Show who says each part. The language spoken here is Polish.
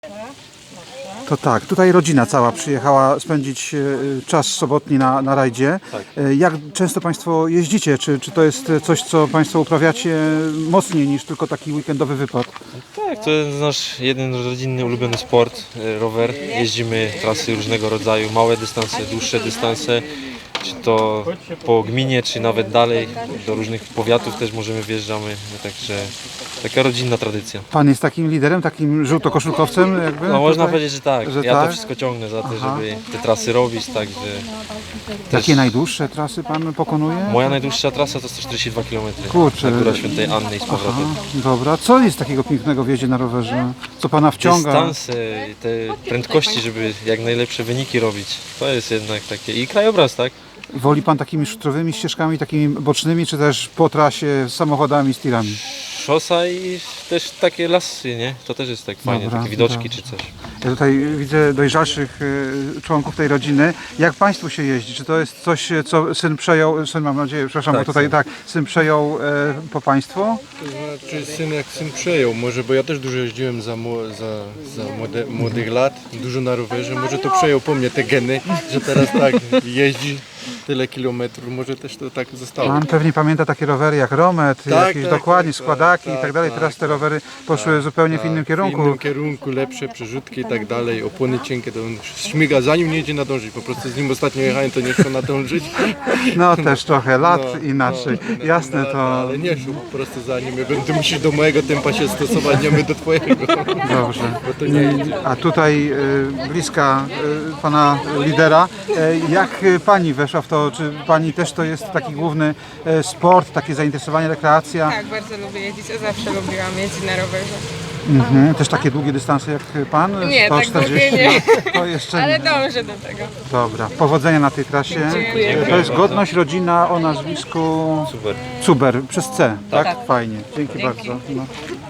Speaker 1: To tak, tutaj rodzina cała przyjechała spędzić czas sobotni na rajdzie.
Speaker 2: Tak.
Speaker 1: Jak często Państwo jeździcie? Czy to jest coś, co Państwo uprawiacie mocniej niż tylko taki weekendowy wypad?
Speaker 2: Tak, to jest nasz jeden rodzinny ulubiony sport, rower. Jeździmy trasy różnego rodzaju, małe dystanse, dłuższe dystanse, czy to po gminie, czy nawet dalej, do różnych powiatów też możemy wjeżdżamy, także taka rodzinna tradycja.
Speaker 1: Pan jest takim liderem, takim żółtokoszulkowcem jakby?
Speaker 2: No można
Speaker 1: tutaj?
Speaker 2: powiedzieć, że tak,
Speaker 1: Że
Speaker 2: ja
Speaker 1: tak?
Speaker 2: to wszystko ciągnę za to,
Speaker 1: Aha.
Speaker 2: żeby te trasy robić, także
Speaker 1: Jakie najdłuższe trasy Pan pokonuje?
Speaker 2: moja najdłuższa trasa to 142 km,
Speaker 1: Kurczę.
Speaker 2: na Góra Świętej Anny i z powrotem.
Speaker 1: Aha, dobra. Co jest takiego pięknego w jeździe na rowerze? Co Pana wciąga?
Speaker 2: Dystanse, te prędkości, żeby jak najlepsze wyniki robić, to jest jednak takie i krajobraz, tak?
Speaker 1: Woli Pan takimi szutrowymi ścieżkami, takimi bocznymi, czy też po trasie z samochodami, z tirami?
Speaker 2: Szosa i też takie lasy, nie? To też jest tak fajnie,
Speaker 1: Dobra,
Speaker 2: takie widoczki
Speaker 1: dobra.
Speaker 2: czy coś.
Speaker 1: Ja tutaj widzę dojrzalszych członków tej rodziny. Jak Państwu się jeździ? Czy to jest coś, co syn przejął, syn mam nadzieję, przepraszam,
Speaker 2: Tak,
Speaker 1: bo tutaj
Speaker 2: syn.
Speaker 1: tak, syn przejął po Państwo?
Speaker 3: To znaczy syn przejął, może, bo ja też dużo jeździłem za młodych lat, dużo na rowerze, może to przejął po mnie te geny, że teraz tak jeździ tyle kilometrów, może też to tak zostało.
Speaker 1: Pan pewnie pamięta takie rowery jak Romet,
Speaker 3: Tak,
Speaker 1: jakieś
Speaker 3: tak,
Speaker 1: dokładnie,
Speaker 3: tak,
Speaker 1: składaki
Speaker 3: tak,
Speaker 1: i tak dalej.
Speaker 3: tak,
Speaker 1: Teraz te rowery poszły zupełnie w innym
Speaker 3: W
Speaker 1: kierunku.
Speaker 3: innym kierunku, lepsze przerzutki i tak dalej, opony cienkie, to on śmiga, zanim nie idzie nadążyć, po prostu z nim ostatnio jechałem, to nie chcę nadążyć.
Speaker 1: No też trochę lat
Speaker 3: No,
Speaker 1: inaczej.
Speaker 3: no,
Speaker 1: Jasne
Speaker 3: no,
Speaker 1: to.
Speaker 3: Ale nie szło po prostu za nim, ty musisz do mojego tempa się stosować, nie my do twojego.
Speaker 1: Dobrze.
Speaker 3: Bo to nie idzie.
Speaker 1: A tutaj bliska pana lidera. Jak pani weszła w to? Czy pani też to jest taki główny sport, takie zainteresowanie, rekreacja?
Speaker 4: Tak, bardzo lubię jeździć, a zawsze lubiłam jeździć na rowerze.
Speaker 1: Mhm. Też takie długie dystanse jak pan?
Speaker 4: Nie, tak
Speaker 1: 140?
Speaker 4: długie nie.
Speaker 1: No, to jeszcze
Speaker 4: Ale
Speaker 1: nie.
Speaker 4: dążę do tego.
Speaker 1: Dobra. Powodzenia na tej trasie.
Speaker 4: Dziękuję.
Speaker 1: To jest godność rodzina o nazwisku
Speaker 2: Super.
Speaker 1: Cuber przez C, tak? Fajnie. Dzięki bardzo. No.